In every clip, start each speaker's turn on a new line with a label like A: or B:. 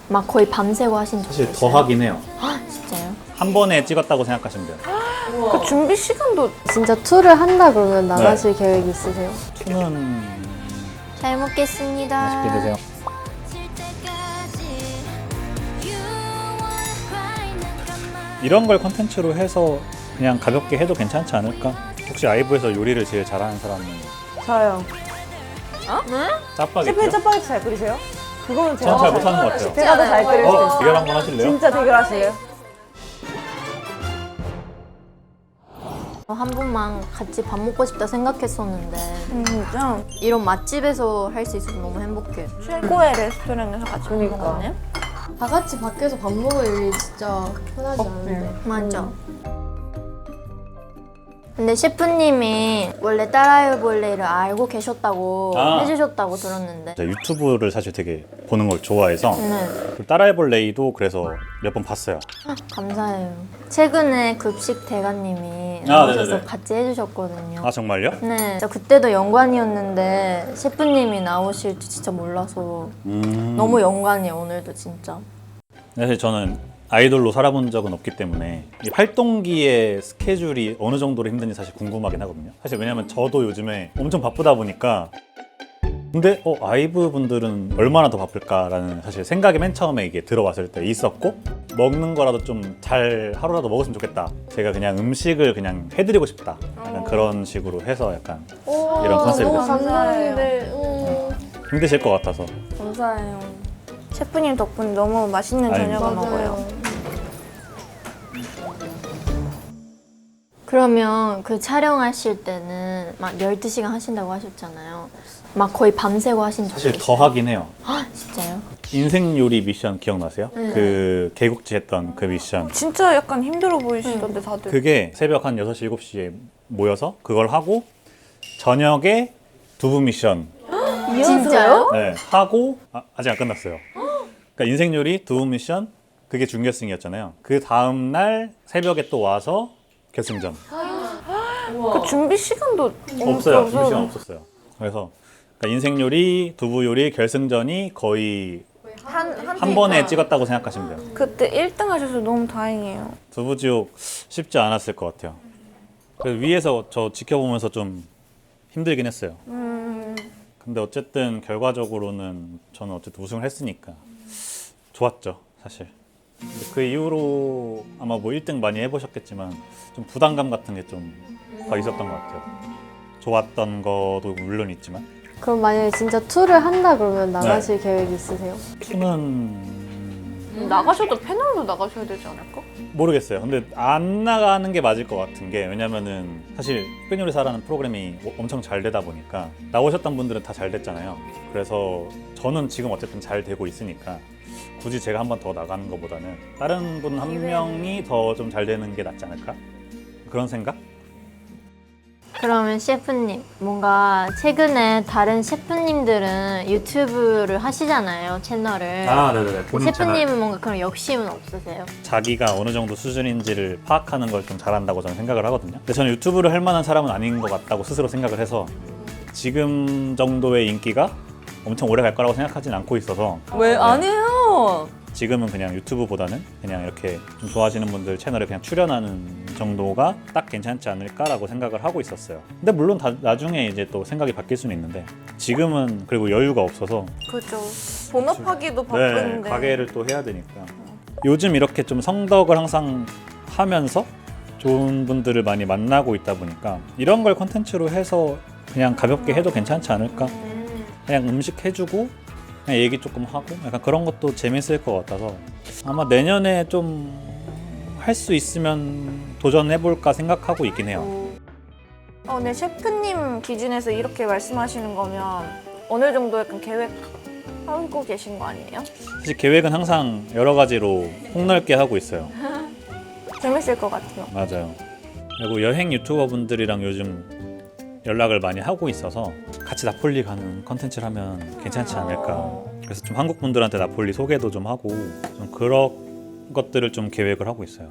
A: 막 거의 밤새고 하신 적
B: 사실
A: 있어요?
B: 더 하긴 해요.
A: 진짜요?
B: 한 번에 찍었다고 생각하시면 돼요.
C: 그 준비 시간도
D: 진짜 투를 한다 그러면 나가실 계획 있으세요?
B: 투는
A: 잘 먹겠습니다.
B: 맛있게 드세요. 이런 걸 컨텐츠로 해서 그냥 가볍게 해도 괜찮지 않을까? 혹시 아이브에서 요리를 제일 잘하는 사람은
C: 저요.
B: 짜파게티요?
C: 셰프님 짜파게티 잘 끓이세요? 그거는 제가
B: 전 잘
C: 더
B: 못하는 것 같아요.
C: 제가 더 잘 끓일 수 있어요.
B: 대결 한번 하실래요?
C: 진짜 대결하실래요?
A: 한 번만 같이 밥 먹고 싶다 생각했었는데
C: 진짜
A: 이런 맛집에서 할 수 있어서 너무 행복해요.
C: 최고의 레스토랑에서 같이 먹는 거네.
D: 다 같이 밖에서 밥 먹을 일이 진짜 흔하지 않은데.
A: 맞아. 근데 셰프님이 원래 따라해볼래를 알고 계셨다고 해주셨다고 들었는데
B: 제가 유튜브를 사실 되게 보는 걸 좋아해서
A: 네,
B: 따라해볼 레이도 그래서 몇 번 봤어요.
A: 감사해요. 최근에 급식 대가님이
B: 아,
A: 나오셔서
B: 네네네.
A: 같이 해주셨거든요.
B: 아 정말요?
A: 네, 진짜 그때도 영광이었는데 셰프님이 나오실 줄 진짜 몰라서 너무 영광이에요. 오늘도 진짜.
B: 사실 저는 아이돌로 살아본 적은 없기 때문에 이 활동기의 스케줄이 어느 정도로 힘든지 사실 궁금하긴 하거든요. 사실 왜냐면 저도 요즘에 엄청 바쁘다 보니까 근데 아이브 분들은 얼마나 더 바쁠까라는 사실 생각이 맨 처음에 이게 들어왔을 때 있었고 먹는 거라도 좀 잘 하루라도 먹었으면 좋겠다. 제가 그냥 음식을 그냥 해드리고 싶다. 약간 그런 식으로 해서 약간 이런 컨셉이
D: 너무
B: 됐어요.
D: 감사한데.
B: 힘드실 것 같아서.
C: 감사해요. 셰프님 덕분에 너무 맛있는
B: 아닙니다.
C: 저녁을 먹어요.
A: 그러면 그 촬영하실 때는 막 12시간 하신다고 하셨잖아요. 막 거의 밤새고 하신 적
B: 사실
A: 있어요?
B: 더 하긴 해요.
A: 진짜요?
B: 인생 요리 미션 기억나세요? 그 개국지 했던 그 미션.
C: 진짜 약간 힘들어 보이시던데 다들.
B: 그게 새벽 한 6시, 7시에 모여서 그걸 하고 저녁에 두부 미션
A: 진짜요?
B: 네, 하고 아직 안 끝났어요. 그러니까 인생 요리 두부 미션 그게 준결승이었잖아요. 그 다음 날 새벽에 또 와서 결승전.
C: 그 준비 시간도
B: 없어요.
C: 없어서.
B: 준비 시간 없었어요. 그래서 그러니까 인생 요리, 두부 요리 결승전이 거의 한 번에 찍었다고 생각하시면 돼요.
C: 그때 1등 하셔서 너무 다행이에요.
B: 두부지옥 쉽지 않았을 것 같아요. 그래서 위에서 저 지켜보면서 좀 힘들긴 했어요. 근데 어쨌든 결과적으로는 저는 어쨌든 우승을 했으니까 좋았죠, 사실. 근데 그 이후로 아마 뭐 1등 많이 해보셨겠지만 좀 부담감 같은 게 좀 더 있었던 것 같아요. 좋았던 것도 물론 있지만
D: 그럼 만약에 진짜 투를 한다 그러면 나가실 계획 있으세요?
B: 투는
C: 나가셔도 패널로 나가셔야 되지 않을까?
B: 모르겠어요. 근데 안 나가는 게 맞을 것 같은 게 왜냐면은 사실 흑백요리사라는 프로그램이 엄청 잘 되다 보니까 나오셨던 분들은 다 잘 됐잖아요. 그래서 저는 지금 어쨌든 잘 되고 있으니까 굳이 제가 한 번 더 나가는 것보다는 다른 분 한 명이 더 좀 잘 되는 게 낫지 않을까? 그런 생각?
A: 그러면 셰프님, 뭔가 최근에 다른 셰프님들은 유튜브를 하시잖아요, 채널을.
B: 네네네.
A: 셰프님은 뭔가 그런 욕심은 없으세요?
B: 자기가 어느 정도 수준인지를 파악하는 걸 좀 잘한다고 저는 생각을 하거든요. 근데 저는 유튜브를 할 만한 사람은 아닌 것 같다고 스스로 생각을 해서 지금 정도의 인기가 엄청 오래 갈 거라고 생각하진 않고 있어서
C: 왜 안 해요?
B: 지금은 그냥 유튜브보다는 그냥 이렇게 좀 좋아하시는 분들 채널에 그냥 출연하는 정도가 딱 괜찮지 않을까라고 생각을 하고 있었어요. 근데 물론 나중에 이제 또 생각이 바뀔 수는 있는데 지금은 그리고 여유가 없어서
C: 그죠. 본업하기도
B: 네,
C: 바쁜데.
B: 가게를 또 해야 되니까 요즘 이렇게 좀 성덕을 항상 하면서 좋은 분들을 많이 만나고 있다 보니까 이런 걸 콘텐츠로 해서 그냥 가볍게 해도 괜찮지 않을까? 그냥 음식 해주고 그냥 얘기 조금 하고 약간 그런 것도 재밌을 것 같아서 아마 내년에 좀 할 수 있으면 도전해볼까 생각하고 있긴 해요.
C: 네, 셰프님 기준에서 이렇게 말씀하시는 거면 어느 정도 약간 계획하고 계신 거 아니에요?
B: 사실 계획은 항상 여러 가지로 폭넓게 하고 있어요.
C: 재밌을 것 같아요.
B: 맞아요. 그리고 여행 유튜버 분들이랑 요즘 연락을 많이 하고 있어서 같이 나폴리 가는 컨텐츠를 하면 괜찮지 않을까. 그래서 좀 한국 분들한테 나폴리 소개도 좀 하고 좀 그런 것들을 좀 계획을 하고 있어요.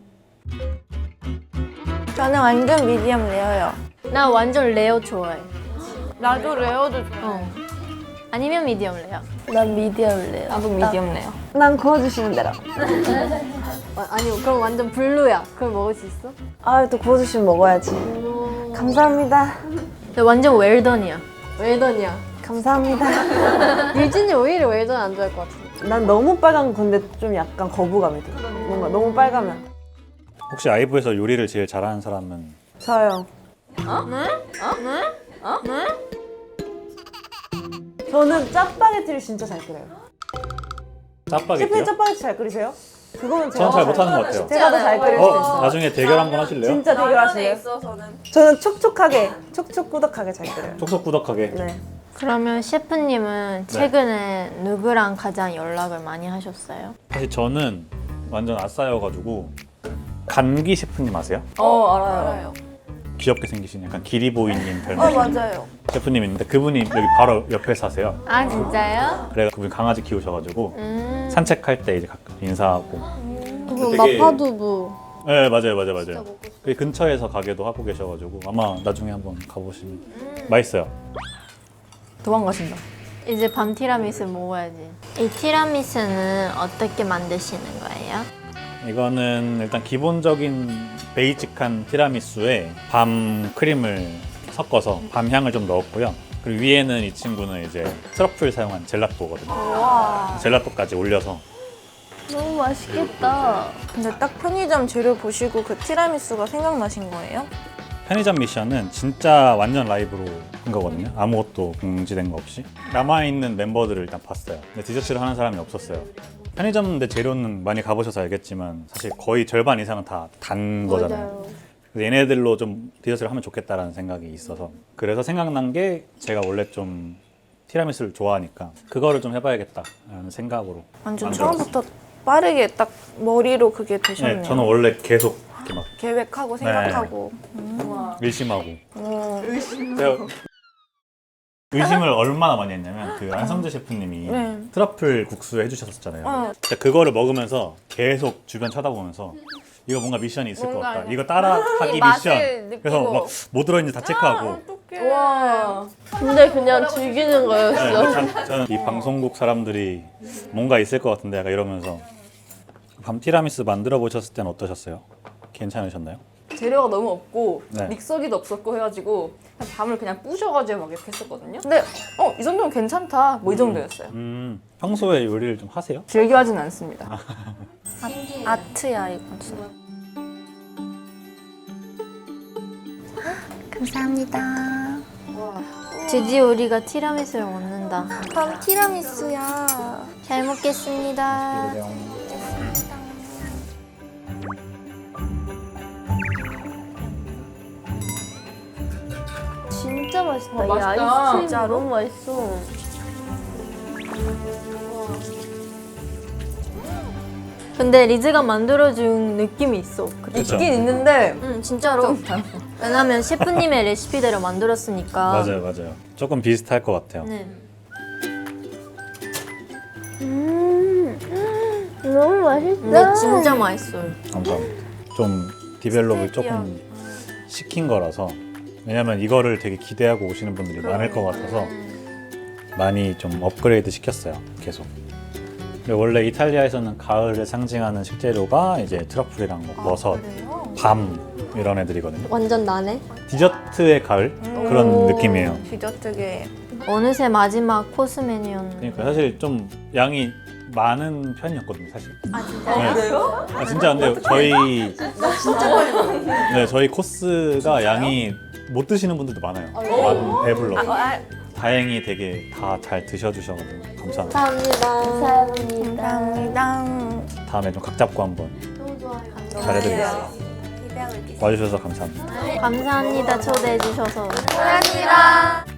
C: 저는 완전 미디엄 레어요.
A: 나 완전 레어 좋아해.
C: 나도 레어도 좋아해.
A: 아니면 미디엄 레어? 난 미디엄 레어.
C: 나도 미디엄 레어.
E: 난 구워주시는 대로.
A: 아니 그럼 완전 블루야. 그걸 먹을 수 있어?
E: 아, 또 구워주시면 먹어야지. 감사합니다.
A: 근데 완전 웰던이야. 웰던이야.
E: 감사합니다.
A: 유진이 오히려 웰던 안 좋아할 것 같은데.
E: 난 너무 빨간 건데 좀 약간 거부감이 들어. 뭔가 너무 빨가면.
B: 혹시 아이브에서 요리를 제일 잘하는 사람은?
E: 저요. 저는 짜파게티를 진짜 잘 끓여요. 셰프님
B: 짜파게티요?
E: 짜파게티 잘 끓이세요? 그거는
B: 저는 잘 못하는 것 같아요.
E: 제가 더 잘 끓일 수 있어요.
B: 나중에 대결 한번 하실래요?
E: 진짜 대결하실래요? 저는 촉촉하게, 촉촉꾸덕하게 잘 끓여요.
B: 촉촉구덕하게.
E: 네.
A: 그러면 셰프님은 최근에 누구랑 가장 연락을 많이 하셨어요?
B: 사실 저는 완전 아싸여가지고 감기 셰프님 아세요?
C: 알아요.
B: 귀엽게 생기신 약간 기리보이님 별명
C: 맞아요.
B: 셰프님 있는데 그분이 여기 바로 옆에 사세요.
A: 아 진짜요?
B: 그래서 그분이 강아지 키우셔가지고 산책할 때 이제 가끔 인사하고.
D: 그
B: 되게-
D: 마파두부.
B: 네 맞아요. 그 근처에서 가게도 하고 계셔가지고 아마 나중에 한번 가보시면 맛있어요.
C: 도망가신다.
A: 이제 밤 티라미수 먹어야지. 이 티라미수는 어떻게 만드시는 거예요?
B: 이거는 일단 기본적인 베이직한 티라미수에 밤 크림을 섞어서 밤 향을 좀 넣었고요. 그리고 위에는 이 친구는 이제 트러플 사용한 젤라또거든요. 젤라또까지 올려서.
A: 너무 맛있겠다.
C: 근데 딱 편의점 재료 보시고 그 티라미수가 생각나신 거예요?
B: 편의점 미션은 진짜 완전 라이브로 한 거거든요. 아무것도 공지된 거 없이. 남아있는 멤버들을 일단 봤어요. 근데 디저트를 하는 사람이 없었어요. 편의점 내 재료는 많이 가보셔서 알겠지만 사실 거의 절반 이상은 다 단 거잖아요. 그래서 얘네들로 좀 디저트를 하면 좋겠다라는 생각이 있어서 그래서 생각난 게 제가 원래 좀 티라미수를 좋아하니까 그거를 좀 해봐야겠다라는 생각으로
C: 완전
B: 만들었어요.
C: 처음부터 빠르게 딱 머리로 그게 되셨네요.
B: 네, 저는 원래 계속 이렇게 막
C: 계획하고 생각하고.
B: 의심하고 제가 의심을 얼마나 많이 했냐면 그 안성재 셰프님이
C: 네.
B: 트러플 국수 해주셨었잖아요.
C: 어.
B: 진짜 그거를 먹으면서 계속 주변 쳐다보면서 이거 뭔가 미션이 있을 것 같다. 이거 따라하기 미션. 그래서 막 뭐 들어있는지 다 체크하고.
D: 와. 근데 그냥 즐기는
B: 네,
D: 거였어.
B: 저는 이 방송국 사람들이 뭔가 있을 것 같은데 약간 이러면서 밤 티라미수 만들어 보셨을 때는 어떠셨어요? 괜찮으셨나요?
F: 재료가 너무 없고
B: 네.
F: 믹서기도 없었고 해가지고 그냥 밤을 그냥 부셔가지고 막 이렇게 했었거든요. 근데 이 정도면 괜찮다 뭐 이 정도였어요.
B: 평소에 요리를 좀 하세요?
F: 즐겨 하진 않습니다.
C: 아트야 이건 진짜. 감사합니다.
A: 드디어 우리가 티라미수를 먹는다.
C: 밤 티라미수야.
A: 잘 먹겠습니다.
D: 진짜 맛있다.
F: 와,
D: 이
F: 맛있다.
D: 아이스크림 너무 맛있어.
A: 근데 리즈가 만들어준 느낌이 있어.
B: 그쵸?
F: 있긴 있는데
A: 진짜로. 왜냐면 셰프님의 레시피대로 만들었으니까.
B: 맞아요. 조금 비슷할 것 같아요.
A: 네.
D: 너무 맛있다.
A: 근데 진짜 맛있어요.
B: 감사합니다. 좀 디벨롭을 조금 시킨 거라서 왜냐면 이거를 되게 기대하고 오시는 분들이 많을 것 같아서 많이 좀 업그레이드 시켰어요. 계속. 근데 원래 이탈리아에서는 가을을 상징하는 식재료가 이제 트러플이랑 뭐 버섯, 밤 이런 애들이거든요.
D: 완전 나네.
B: 디저트의 가을 그런 느낌이에요.
C: 디저트계.
A: 어느새 마지막 코스 메뉴였는데.
B: 그러니까 사실 좀 양이 많은 편이었거든요, 사실.
A: 아 진짜요?
F: 그래요?
B: 아 진짜 근데 저희 코스가 양이 못 드시는 분들도 많아요. 배불러. 다행히 되게 다 잘 드셔주셔가지고 감사합니다.
D: 감사합니다.
C: 감사합니다.
B: 다음에 좀 각 잡고 한번
D: 너무 좋아요.
B: 잘해드리겠습니다.
C: 기대하고 있겠습니다.
B: 와주셔서 감사합니다.
A: 감사합니다. 초대해 주셔서.
C: 감사합니다.